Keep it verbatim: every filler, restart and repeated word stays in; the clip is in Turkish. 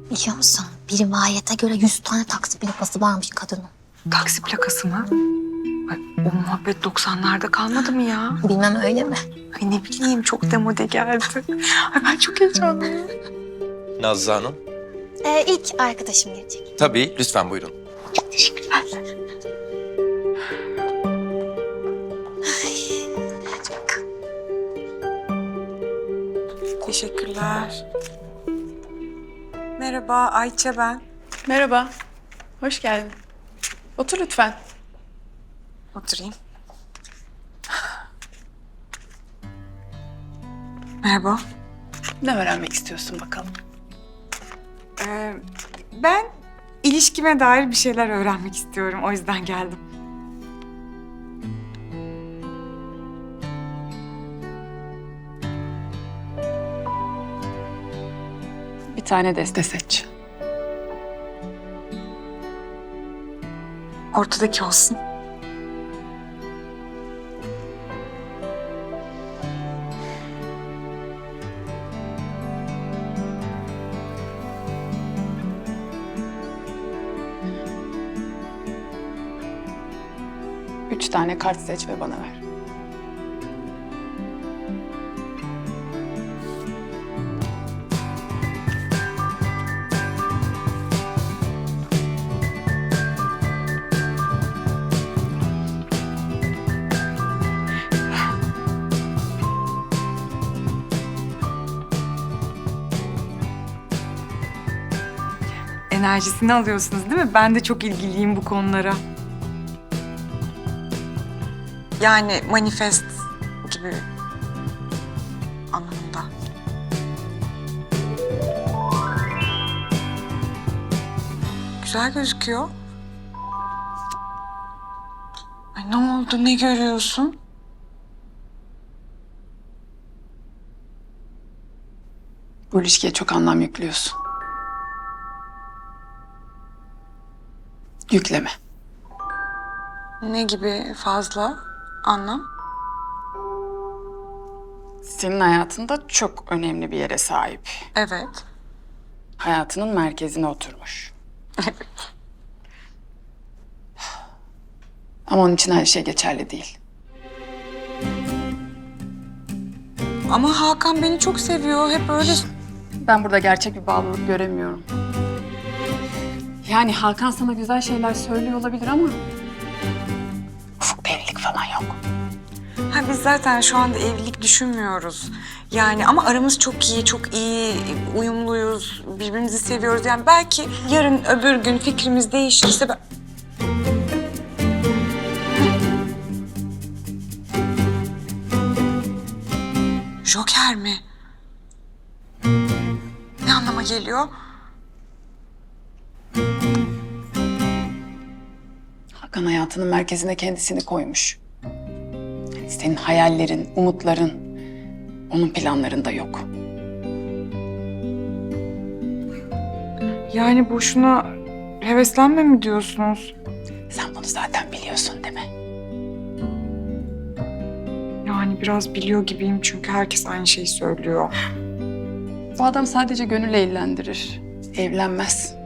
Biliyor musun? Bir rivayete göre yüz tane taksi plakası varmış kadının. Taksi plakası mı? Ay, o muhabbet doksanlarda kalmadı mı ya? Bilmem öyle mi? Ay ne bileyim çok demode geldi. Ay ben çok heyecanlıyım. Nazlı Hanım. Ee, ilk arkadaşım gelecek. Tabii, lütfen buyurun. Çok teşekkürler. Teşekkürler. Merhaba Ayça ben. Merhaba, hoş geldin. Otur lütfen. Oturayım. Merhaba. Ne öğrenmek istiyorsun bakalım? Ee, ben ilişkime dair bir şeyler öğrenmek istiyorum. O yüzden geldim. Bir tane deste seç. Ortadaki olsun. Üç tane kart seç ve bana ver. Enerjisini alıyorsunuz değil mi? Ben de çok ilgiliyim bu konulara. Yani manifest gibi anlamında. Güzel gözüküyor. Ay ne oldu? Ne görüyorsun? Bu ilişkiye çok anlam yüklüyorsun. Yükleme. Ne gibi fazla anlam? Senin hayatında çok önemli bir yere sahip. Evet. Hayatının merkezine oturmuş. Evet. Ama onun için her şey geçerli değil. Ama Hakan beni çok seviyor. Hep öyle. Ben burada gerçek bir bağlılık göremiyorum. Yani Hakan sana güzel şeyler söylüyor olabilir ama... ufuk bir evlilik falan yok. Ha biz zaten şu anda evlilik düşünmüyoruz. Yani ama aramız çok iyi, çok iyi, uyumluyuz, birbirimizi seviyoruz. Yani belki yarın öbür gün fikrimiz değişirse ben... Joker mi? Ne anlama geliyor? Hakan hayatının merkezine kendisini koymuş. Yani senin hayallerin, umutların onun planlarında yok. Yani boşuna heveslenme mi diyorsunuz? Sen bunu zaten biliyorsun değil mi? Yani biraz biliyor gibiyim çünkü herkes aynı şeyi söylüyor. Bu adam sadece gönül eğlendirir. Evlenmez.